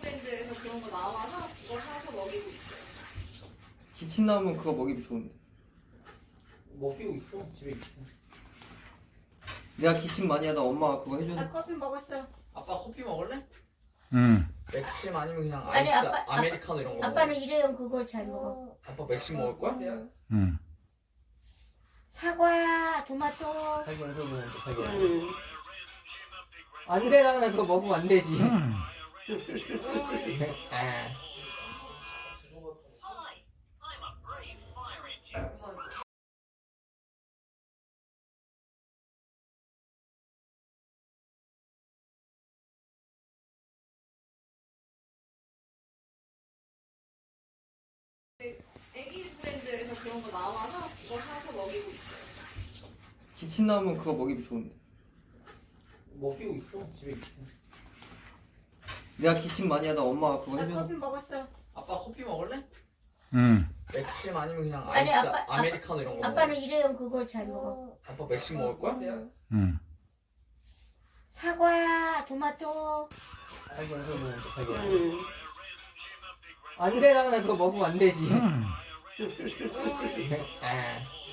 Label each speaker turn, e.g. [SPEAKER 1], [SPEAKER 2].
[SPEAKER 1] 브랜드에서 그런 거 나와서 그거 사서 먹이고 있어요.
[SPEAKER 2] 기침 나오면 그거 먹이면 좋은데.
[SPEAKER 3] 먹이고 있어. 집에 있어.
[SPEAKER 2] 내가 기침 많이 하다 엄마가 그거
[SPEAKER 4] 나
[SPEAKER 2] 해줘서.
[SPEAKER 4] 커피 먹었어.
[SPEAKER 3] 아빠 커피 먹을래?
[SPEAKER 5] 응.
[SPEAKER 3] 맥심 아니면 그냥
[SPEAKER 4] 아니,
[SPEAKER 3] 아이스
[SPEAKER 4] 아빠-
[SPEAKER 3] 아메리카노 이런 거
[SPEAKER 4] 아빠는
[SPEAKER 3] 먹어.
[SPEAKER 4] 일회용 그걸 잘 먹어.
[SPEAKER 3] 아빠 맥심 먹을 거야?
[SPEAKER 5] 응.
[SPEAKER 4] 사과, 토마토.
[SPEAKER 3] 자기 얼굴 보면 돼. 자기 얼굴.
[SPEAKER 4] 음.
[SPEAKER 2] 안 되나? 나 그거 먹으면 안 되지.
[SPEAKER 3] 아.
[SPEAKER 1] 애기 브랜드에서 그런 거 나와서 그거 사서 먹이고 있어요.
[SPEAKER 2] 기침 나오면 그거 먹이면 좋은데.
[SPEAKER 3] 먹이고 있어. 집에 있어.
[SPEAKER 2] 내가 기침 많이 하다 엄마가 그거
[SPEAKER 4] 나
[SPEAKER 2] 해줘서.
[SPEAKER 4] 커피 먹었어.
[SPEAKER 3] 아빠 커피 먹을래?
[SPEAKER 5] 응.
[SPEAKER 3] 맥심 아니면 그냥
[SPEAKER 4] 아니,
[SPEAKER 3] 아이스
[SPEAKER 4] 아빠-
[SPEAKER 3] 아메리카노 이런 거 먹어.
[SPEAKER 4] 아빠는 일회용 그걸 잘 먹어.
[SPEAKER 3] 아빠 맥심 먹을 거야?
[SPEAKER 5] 응.
[SPEAKER 4] 사과, 토마토.
[SPEAKER 3] 자기 얼굴 보면 돼. 자기 얼굴.
[SPEAKER 4] 음.
[SPEAKER 2] 안 되나? 나 그거 먹으면 안 되지.
[SPEAKER 3] 아.